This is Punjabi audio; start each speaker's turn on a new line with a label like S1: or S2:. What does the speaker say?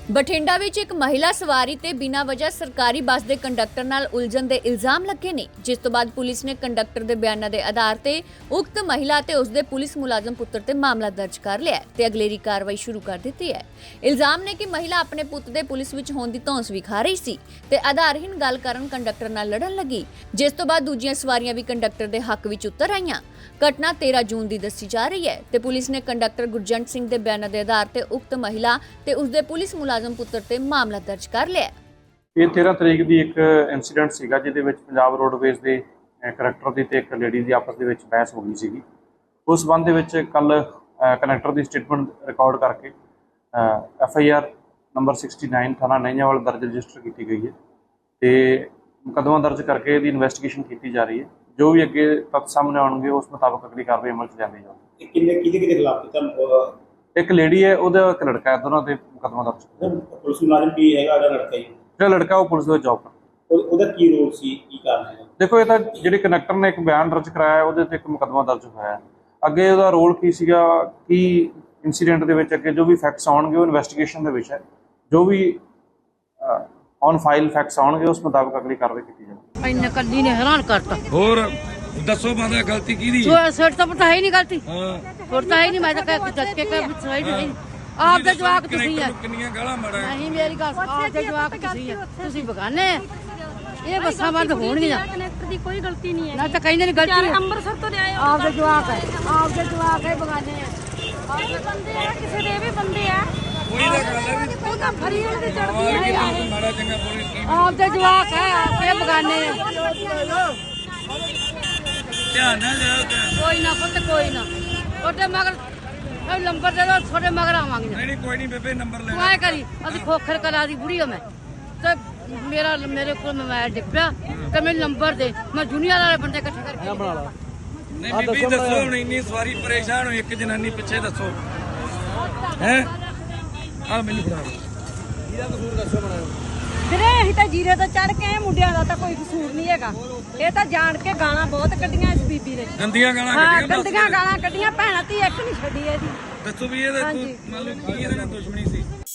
S1: ਬਠਿੰਡਾ ਵਿੱਚ ਇੱਕ ਮਹਿਲਾ ਸਵਾਰੀ ਤੇ ਬਿਨਾਂ ਵਜ੍ਹਾ ਸਰਕਾਰੀ ਬੱਸ ਦੇ ਕੰਡਕਟਰ ਨਾਲ ਉਲਝਣ ਦੇ ਇਲਜ਼ਾਮ ਲੱਗੇ ਨੇ, ਜਿਸ ਤੋਂ ਬਾਅਦ ਪੁਲਿਸ ਨੇ ਕੰਡਕਟਰ ਦੇ ਬਿਆਨਾਂ ਦੇ ਆਧਾਰ ਤੇ ਉਕਤ ਮਹਿਲਾ ਤੇ ਉਸਦੇ ਪੁਲਿਸ ਮੁਲਾਜ਼ਮ ਪੁੱਤਰ ਤੇ ਮਾਮਲਾ ਦਰਜ ਕਰ ਲਿਆ ਹੈ ਤੇ ਅਗਲੇਰੀ ਕਾਰਵਾਈ ਸ਼ੁਰੂ ਕਰ ਦਿੱਤੀ ਹੈ। ਇਲਜ਼ਾਮ ਨੇ ਕਿ ਮਹਿਲਾ ਆਪਣੇ ਪੁੱਤ ਦੇ ਪੁਲਿਸ ਵਿੱਚ ਹੋਣ ਦੀ ਧੌਂਸ ਵਿਖਾ ਰਹੀ ਸੀ ਤੇ ਆਧਾਰਹੀਨ ਗੱਲ ਕਰਨ ਕੰਡਕਟਰ ਨਾਲ ਲੜਨ ਲੱਗੀ, ਜਿਸ ਤੋਂ ਬਾਅਦ ਦੂਜੀਆਂ ਸਵਾਰੀਆਂ ਵੀ ਕੰਡਕਟਰ ਦੇ ਹੱਕ ਵਿੱਚ ਉਤਰ ਆਈਆਂ। ਘਟਨਾ 13 ਜੂਨ ਦੀ ਦੱਸੀ ਜਾ ਰਹੀ ਹੈ ਤੇ ਪੁਲਿਸ ਨੇ ਕੰਡਕਟਰ ਗੁਰਜੰਟ ਸਿੰਘ ਦੇ ਬਿਆਨਾਂ ਦੇ ਆਧਾਰ ਤੇ ਉਕਤ ਮਹਿਲਾ ਤੇ ਉਸਦੇ ਪੁਲਿਸ ਮੁਲਾਜ਼ਮ ਪੁੱਤਰ ਤੇ ਮਾਮਲਾ ਦਰਜ ਕਰ ਲਿਆ।
S2: ਇਹ 13 ਤਰੀਕ ਦੀ ਇੱਕ ਇਨਸੀਡੈਂਟ ਸੀਗਾ ਜਿਹਦੇ ਵਿੱਚ ਪੰਜਾਬ ਰੋਡਵੇਜ਼ ਦੇ ਕੰਡਕਟਰ ਦੀ ਤੇ ਇੱਕ ਲੇਡੀ ਦੀ ਆਪਸ ਦੇ ਵਿੱਚ ਬਹਿਸ ਹੋ ਗਈ ਸੀਗੀ। ਉਸ ਸੰਬੰਧ ਦੇ ਵਿੱਚ ਕੱਲ ਕੰਡਕਟਰ ਦੀ ਸਟੇਟਮੈਂਟ ਰਿਕਾਰਡ ਕਰਕੇ FIR ਨੰਬਰ 69 ਥਾਣਾ ਨਹਿੰਜਾਵਾਲ ਦਰਜ ਰਜਿਸਟਰ ਕੀਤੀ ਗਈ ਹੈ ਤੇ ਮੁਕੱਦਮਾ ਦਰਜ ਕਰਕੇ ਇਹਦੀ ਇਨਵੈਸਟੀਗੇਸ਼ਨ ਕੀਤੀ ਜਾ ਰਹੀ ਹੈ। ਜੋ ਵੀ ਅੱਗੇ ਤੱਥ ਸਾਹਮਣੇ ਆਉਣਗੇ ਉਸ ਮੁਤਾਬਕ ਅਗਲੀ ਕਾਰਵਾਈ ਅਮਲ 'ਚ ਲਿਆਂਦੀ ਜਾਊਗੀ।
S3: ਕਿਹਦੇ ਖਿਲਾਫ ਕੀਤਾ?
S2: ਇੱਕ ਲੇਡੀ ਹੈ, ਉਹਦਾ ਇੱਕ ਲੜਕਾ ਹੈ, ਦੋਨਾਂ ਤੇ ਮੁਕੱਦਮਾ ਦਰਜ ਹੈ।
S3: ਪੁਲਿਸ ਮੁਲਾਜ਼ਮ ਵੀ ਹੈਗਾ ਉਹਦਾ ਲੜਕਾ ਹੀ?
S2: ਜਿਹੜਾ ਲੜਕਾ ਉਹ ਪੁਲਿਸ ਵਿੱਚ ਜੌਬ ਕਰਦਾ।
S3: ਉਹਦਾ ਕੀ ਰੋਲ ਸੀ, ਕੀ ਕਾਰਨ ਹੈ?
S2: ਦੇਖੋ, ਇਹ ਤਾਂ ਜਿਹੜੇ ਕੰਡਕਟਰ ਨੇ ਇੱਕ ਬਿਆਨ ਦਰਜ ਕਰਾਇਆ ਉਹਦੇ ਤੇ ਇੱਕ ਮੁਕੱਦਮਾ ਦਰਜ ਹੋਇਆ ਹੈ। ਅੱਗੇ ਉਹਦਾ ਰੋਲ ਕੀ ਸੀਗਾ, ਕੀ ਇਨਸੀਡੈਂਟ ਦੇ ਵਿੱਚ ਅੱਗੇ ਜੋ ਵੀ ਫੈਕਟਸ ਆਉਣਗੇ ਉਹ ਇਨਵੈਸਟੀਗੇਸ਼ਨ ਦੇ ਵਿੱਚ ਹੈ। ਜੋ ਵੀ ਔਨ ਫਾਈਲ ਫੈਕਟਸ ਆਉਣਗੇ ਉਸ ਮੁਤਾਬਕ ਅਗਲੀ ਕਾਰਵਾਈ ਕੀਤੀ ਜਾਵੇਗੀ।
S4: ਇੰਨੇ ਕੱਲੀ ਨੇ ਹੈਰਾਨ ਕਰਤਾ।
S5: ਹੋਰ ਦੱਸੋ ਮਾਤਾ ਗਲਤੀ ਕਿਹਦੀ?
S4: ਸੋਚ ਤਾਂ ਪਤਾ ਹੈ ਹੀ ਨਹੀਂ ਗਲਤੀ।
S5: ਹਾਂ
S4: ਪਤਾ ਹੈ ਨਹੀਂ, ਮੈਂ ਤਾਂ ਕਹਿ ਦੱਸ ਕੇ ਸਹੀ ਨਹੀਂ। ਆਪ ਦੇ ਜਵਾਕ ਤੁਸੀਂ ਆ।
S5: ਕਿੰਨੀਆਂ ਗਾਲਾਂ ਮਾਰਾਂ?
S4: ਨਹੀਂ ਮੇਰੀ ਗੱਲ, ਆਪ ਦੇ ਜਵਾਕ ਤੁਸੀਂ ਆ, ਤੁਸੀਂ ਬਗਾਨੇ ਆ। ਇਹ ਬੱਸਾਂ ਬੰਦ ਹੋਣਗੀਆਂ।
S6: ਕਨੈਕਟਰ ਦੀ ਕੋਈ ਗਲਤੀ ਨਹੀਂ ਹੈ
S4: ਨਾ ਤਾਂ ਕਹਿੰਦੇ ਨੇ ਗਲਤੀ
S6: ਅੰਮ੍ਰਿਤਸਰ ਤੋਂ ਲਿਆਏ ਹੋ।
S4: ਆਪ ਦੇ ਜਵਾਕ ਹੈ, ਆਪ ਦੇ ਜਵਾਕ ਹੈ, ਬਗਾਨੇ ਆ।
S6: ਇਹ ਵੀ ਬੰਦੇ ਆ, ਕਿਸੇ ਦੇ ਵੀ ਬੰਦੇ ਆ।
S5: ਕੋਈ ਤਾਂ ਗੱਲ ਹੈ ਵੀ
S6: ਉਹ ਤਾਂ ਫਰੀ ਉਹਦੀ ਚੜਦੀ
S5: ਮਾਰ ਕੇ
S6: ਹੈ।
S5: ਤਾਂ ਮਾੜਾ ਚੰਗਾ ਪੁਲਿਸ ਕੀ
S4: ਆਪ ਦੇ ਜਵਾਕ ਹੈ, ਆਪੇ ਬਗਾਨੇ ਆ।
S5: ਧਿਆਨ ਨਾਲ ਲਿਓ।
S4: ਕੋਈ ਨਾ ਪੁੱਤ, ਕੋਈ ਨਾ। ਤੁਹਾਡੇ ਮਗਰ ਨੰਬਰ ਦੇ ਦੋ, ਤੁਹਾਡੇ ਮਗਰ ਆਵਾਂਗੇ।
S5: ਨਹੀਂ ਕੋਈ ਨਹੀਂ ਬੇਬੇ, ਨੰਬਰ ਲੈ
S4: ਤੂੰ ਐ ਕਰੀ, ਅਸੀਂ ਖੋਖਰ ਕਲਾ ਦੀ ਬੁੜੀ ਹਾਂ ਮੈਂ ਤੇ ਮੇਰੇ ਕੋਲ ਮੋਬਾਈਲ ਡਿੱਪਿਆ ਤੇ ਮੈਨੂੰ ਨੰਬਰ ਦੇ, ਮੈਂ ਜੂਨੀਅਰ ਵਾਲੇ ਬੰਦੇ ਇਕੱਠੇ ਕਰਕੇ ਬਣਾ ਲਾ।
S5: ਨਹੀਂ ਬੀਬੀ ਦੱਸੋ, ਹੁਣ ਇੰਨੀ ਸਵਾਰੀ ਪਰੇਸ਼ਾਨ ਹੋਈ, ਇੱਕ ਜਨਾਨੀ ਪਿੱਛੇ ਦੱਸੋ ਹੈ। ਆ ਮੈਨੂੰ ਫੜਾ ਇਹਦਾ ਕਸੂਰ ਦੱਸੋ ਬਣਾਓ
S6: ਵੀਰੇ ਅਸੀਂ ਤਾਂ ਜੀਰੇ ਤੋਂ ਚੜ ਕੇ ਆਏ, ਮੁੰਡਿਆਂ ਦਾ ਤਾਂ ਕੋਈ ਕਸੂਰ ਨਹੀਂ ਹੈਗਾ। ਇਹ ਤਾਂ ਜਾਣ ਕੇ ਗਾਲਾਂ ਬਹੁਤ ਕੱਢੀਆਂ ਇਸ ਬੀਬੀ ਨੇ।
S5: ਗੰਦੀਆਂ ਗਾਲਾਂ
S6: ਹਾਂ,
S5: ਕੱਢੀਆਂ।
S6: ਗੰਦੀਆਂ ਗਾਲਾਂ ਕੱਢੀਆਂ। ਭੈਣਾਂ ਧੀ ਇੱਕ ਨਹੀਂ ਛੱਡੀ ਇਹਦੀ।
S5: ਦੱਸੋ ਵੀ ਇਹਦਾ ਮੰਨ ਲਓ ਕੀ ਇਹਦੇ ਨਾਲ ਦੁਸ਼ਮਣੀ ਸੀ?